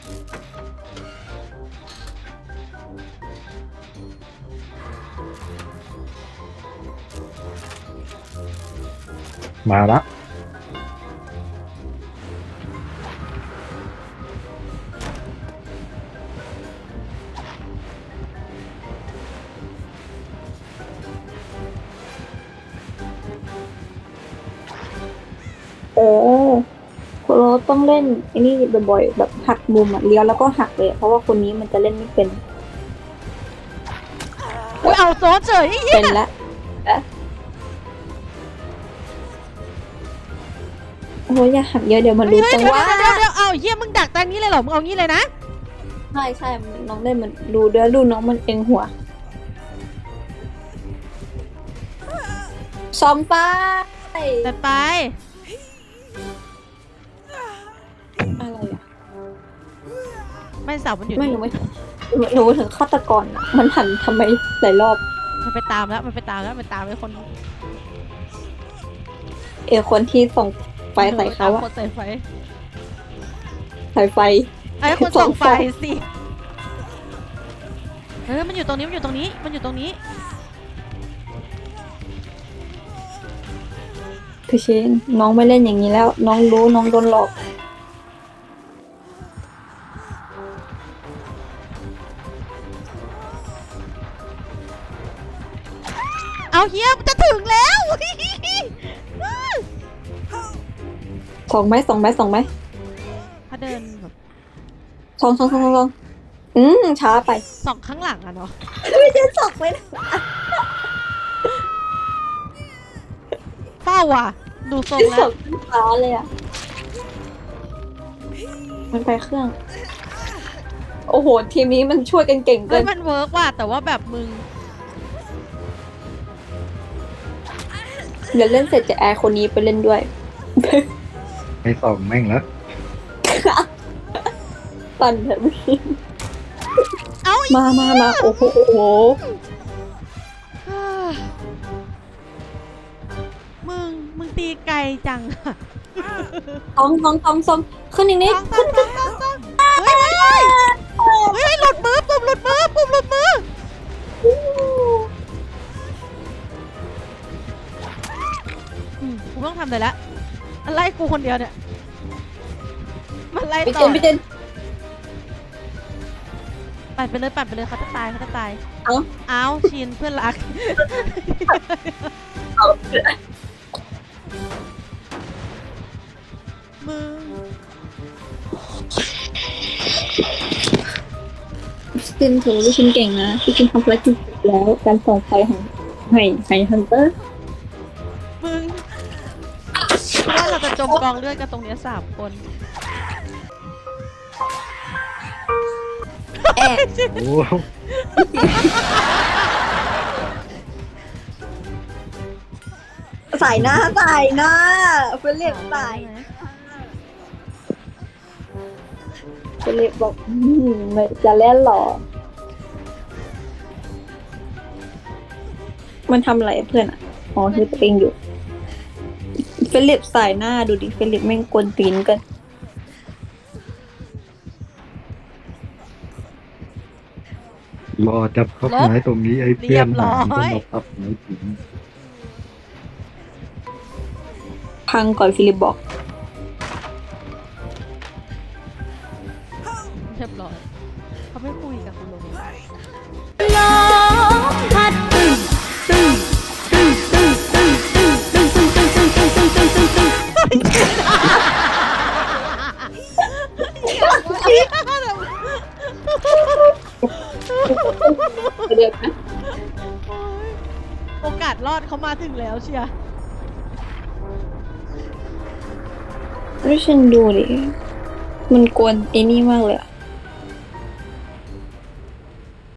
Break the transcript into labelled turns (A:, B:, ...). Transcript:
A: มาละ
B: โอ้คุณโรสต้องเล่นไอ้นี่บ่อยๆแบบหักมุมเลี้ยวแล้วก็หักเลยเพราะว่าคนนี้มันจะเล่นไม่เป็น
C: อุ้ยเอาโซนเฉย
B: เป็นละโอ้ยอย่าหักเยอะเดี๋ยวมันรู้จังว่า
C: เดี๋ยวเอาเยี่ยมึงดักตรงนี้เลยเหรอมึงเอางี้เลยนะ
B: ใช่น้องเล่นมันดูเดี๋ยวดูน้องมันเองหัวซ้อมไป
C: แต่ไป
B: อะไรอ่ะ
C: ไม่เสามันอยู่
B: ไม่
C: นี่
B: รู้ถึงฆาตกรอ่ะมันหันทำไมหลายรอบ
C: มันไปตามแล้วมันตามไอ้คน
B: คนที่ส่งไฟใส่เขาอะ
C: คนใส่ไฟ
B: สายไฟ
C: ไอ้คนส่องไฟสิมันอยู่ตรงนี้มันอยู่ตรงนี้
B: คือเชนน้องไม่เล่นอย่างนี้แล้ว น้องรู้น้องโดนหลอก
C: เอาเฮียมันจะถึงแล้ว
B: ส่องไหม
C: ถ้าเดินแบบ
B: ส่องช้าไป
C: ส่องข้างหลังอะเนาะ
B: ไม่ใช่ส่องไปนะ
C: เป้าว่ะดูทรงแล้
B: ส่
C: ว
B: องช้าเลยอะมันไปเครื่อง โอ้โหทีมนี้มันช่วยกันเก่งเกิ
C: เฮ้ย
B: น
C: มันเวิร์กว่ะแต่ว่าแบบมึง
B: เดี๋ยวเล่นเสร็จจะแอร์คนนี้ไปเล่นด้วย
A: ไปส่องแม่งแล้ว
B: ปั่นเถอะพี่
C: เอ้า
B: มาโอ้โห
C: มึงตีไกลจัง
B: ท้องขึ้นอีกนิดขึ้น
C: เฮ้ยหลุดมือปุ่มหลุดมือกูต้องทำเลยละมันไล่กูคนเดียวเนี่ยมันไล่
B: พี่
C: ต่
B: เจ
C: อน ปั่นไปเลยเขาจะตาย เอาชินเพื่อนรักมึง
B: พี่เจนถือว่าพี่ชินเก่งนะพี่ชินทำภารกิจเสร็จแล้วการส่องไฟของไห่ฮันเตอร์
C: มึงว่าเราจะจมกองเลือดกันตรงเนี้ย3 คน
B: แอบ
A: โอ้
B: ใส่หน้าเฟลิปใส่เฟลิปบอกไม่จะเล่นหรอมันทำอะไรเพื่อนอ่ะอ๋อคือตัวเองอยู่เฟลิปใส่หน้าดูดิเฟลิปแม่งกวนตีนกัน
A: รอจับพับไม้ตรงนี้ไอ้เพื่อนหายก็มาพับไม้ถึง
B: พังก่อนฟิลิปบอก
C: เรียบร้อยเขาไม่คุยกับคุณลง
D: ลมพัดตึ้งตึ้งตึ้งตึ้งตึ้งตึ้งตึ้งตึ้งตึ้งตึ้งตึ้งตึ้งตึ้งตึ้ง
B: เดี๋ยวนะ
C: โอกาสรอดเขามาถึงแล้วเชียร์
B: ให้ฉันดูดิมันกวนไอ้นี่มากเลยอะ